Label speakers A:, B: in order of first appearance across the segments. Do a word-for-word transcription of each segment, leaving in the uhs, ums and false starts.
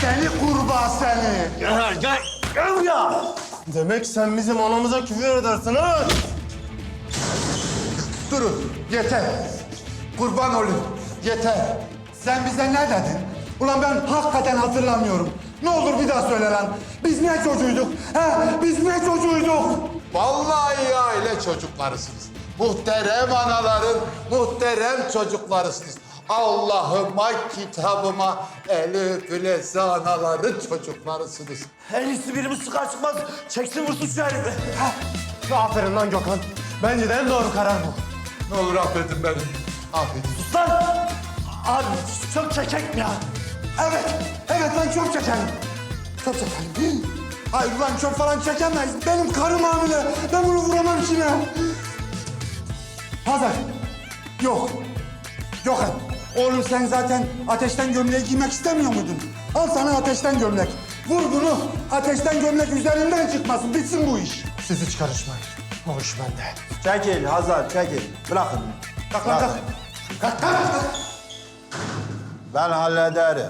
A: Seni kurbağa seni.
B: Gel, gel, gel buraya.
C: Demek sen bizim anamıza küfür edersin ha?
A: Durun, yeter. Kurban olayım, yeter. Sen bize ne dedin? Ulan ben hakikaten hatırlamıyorum. Ne olur bir daha söyle lan. Biz ne çocuğuyduk? Ha? Biz ne çocuğuyduk? Vallahi aile çocuklarısınız. Muhterem anaların muhterem çocuklarısınız. Allah'ıma, kitabıma, elif leze anaların çocuklarısınız.
B: En iyisi birimiz çıkar çıkmaz çeksin vursun şu herifi.
C: Aferin lan Gökhan. Bence de en doğru karar bu.
A: Ne olur affedin beni. Affedin.
B: Sus lan! Abi çok çekek mi ya?
A: Evet, evet lan çöp çekelim. Çöp çekelim. Hayır lan çöp falan çekemeyiz. Benim karım hamile. Ben bunu vuramam içine. Hazar. Yok. Yok et. Oğlum sen zaten ateşten gömleği giymek istemiyor muydun? Al sana ateşten gömlek. Vur bunu. Ateşten gömlek üzerinden çıkmasın. Bitsin bu iş.
C: Siz hiç karışmayın. O iş bende.
D: Çekil Hazar, çekil. Bırakın.
A: Kalk lan kalk. Kalk kalk. kalk.
D: Ben hallederim.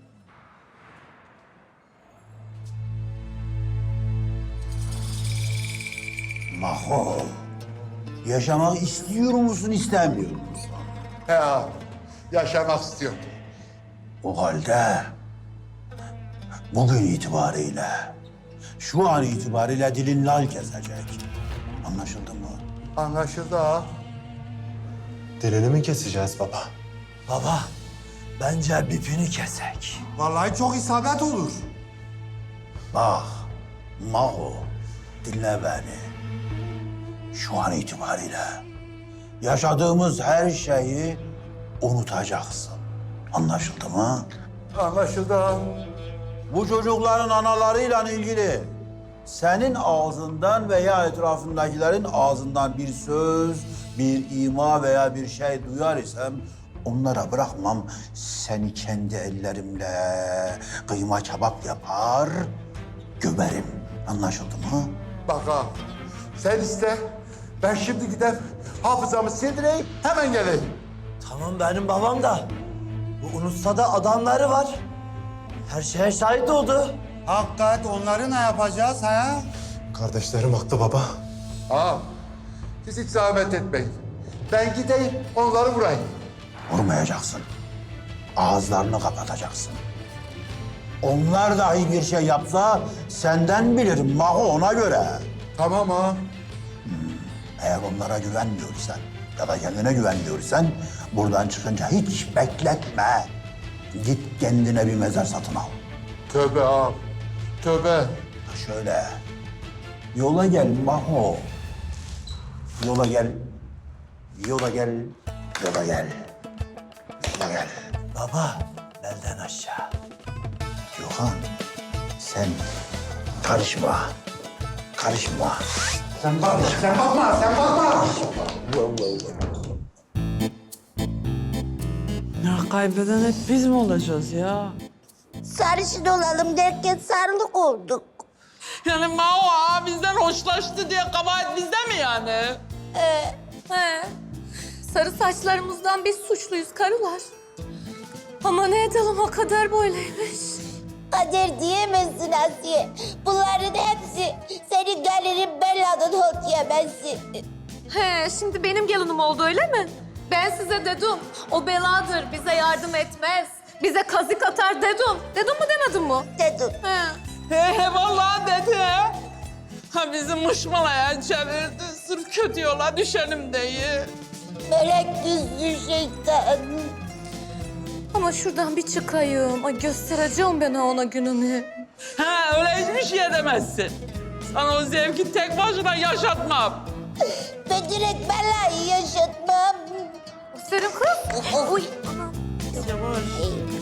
D: Maho, yaşamak istiyor musun, istemiyor musun?
A: Ya yaşamak istiyorum.
D: O halde bugün itibariyle, şu an itibariyle dilin lal kesecek. Anlaşıldı mı?
A: Anlaşıldı ha.
C: Dilini mi keseceğiz baba?
B: Baba, bence bipini kesek.
A: Vallahi çok isabet olur.
D: Bak, Maho, dinle beni. Şu an itibariyle yaşadığımız her şeyi unutacaksın. Anlaşıldı mı?
A: Anlaşıldı ha.
D: Bu çocukların analarıyla ilgili senin ağzından veya etrafındakilerin ağzından bir söz, bir ima veya bir şey duyar isem onlara bırakmam. Seni kendi ellerimle kıyma kebap yapar, gömerim. Anlaşıldı mı?
A: Bak ha, sen iste. Ben şimdi gidip hafızamı sildireyim, hemen geleyim.
B: Tamam benim babam da. Bu unutsa da adamları var. Her şeye şahit oldu.
A: Hakikat onları ne yapacağız ha?
C: Kardeşlerim haklı baba.
A: Ağam, siz hiç zahmet etmeyin. Ben gideyim, onları vurayım.
D: Vurmayacaksın. Ağızlarını kapatacaksın. Onlar dahi bir şey yapsa senden bilirim Maho, ona göre.
A: Tamam ağam.
D: Eğer onlara güvenmiyorsan ya da kendine güvenmiyorsan buradan çıkınca hiç bekletme. Git kendine bir mezar satın al.
A: Tövbe ağam, tövbe.
D: Şöyle, yola gel Maho. Yola gel, yola gel, yola gel, yola gel.
B: Baba, belden aşağı.
D: Gökhan, sen karışma, karışma.
A: Sen bakma, sen bakma, sen bakma.
E: Ya kaybeden hep biz mi olacağız ya?
F: Sarışın olalım derken sarılık olduk.
E: Yani Mao ağa bizden hoşlaştı diye kabahat bizde mi yani?
G: Ee, he. Sarı saçlarımızdan biz suçluyuz karılar. Ama ne edelim o kadar böyleymiş.
F: Kader diyemezsin Asiye. Bunların hepsi senin gelirin Bella'nın hot yemesi.
G: He, şimdi benim gelinim oldu öyle mi? Ben size dedim, o beladır, bize yardım etmez. Bize kazık atar dedim. Dedim mi demedim mi?
F: Dedim.
G: He.
E: He he vallahi dedi. Ha bizi mışmalaya çevirdi. Sırf kötü yola düşelim diye.
F: Melek yüzlü şeytan.
G: Ama şuradan bir çıkayım. Ay göstereceğim ben ona gününü.
E: Ha öyle hiçbir şey edemezsin. Sana o zevki tek başına yaşatmam.
F: Ben direkt Bella'yı yaşatmam.
G: Senin kız. Uy. Anam.
E: Yavaş.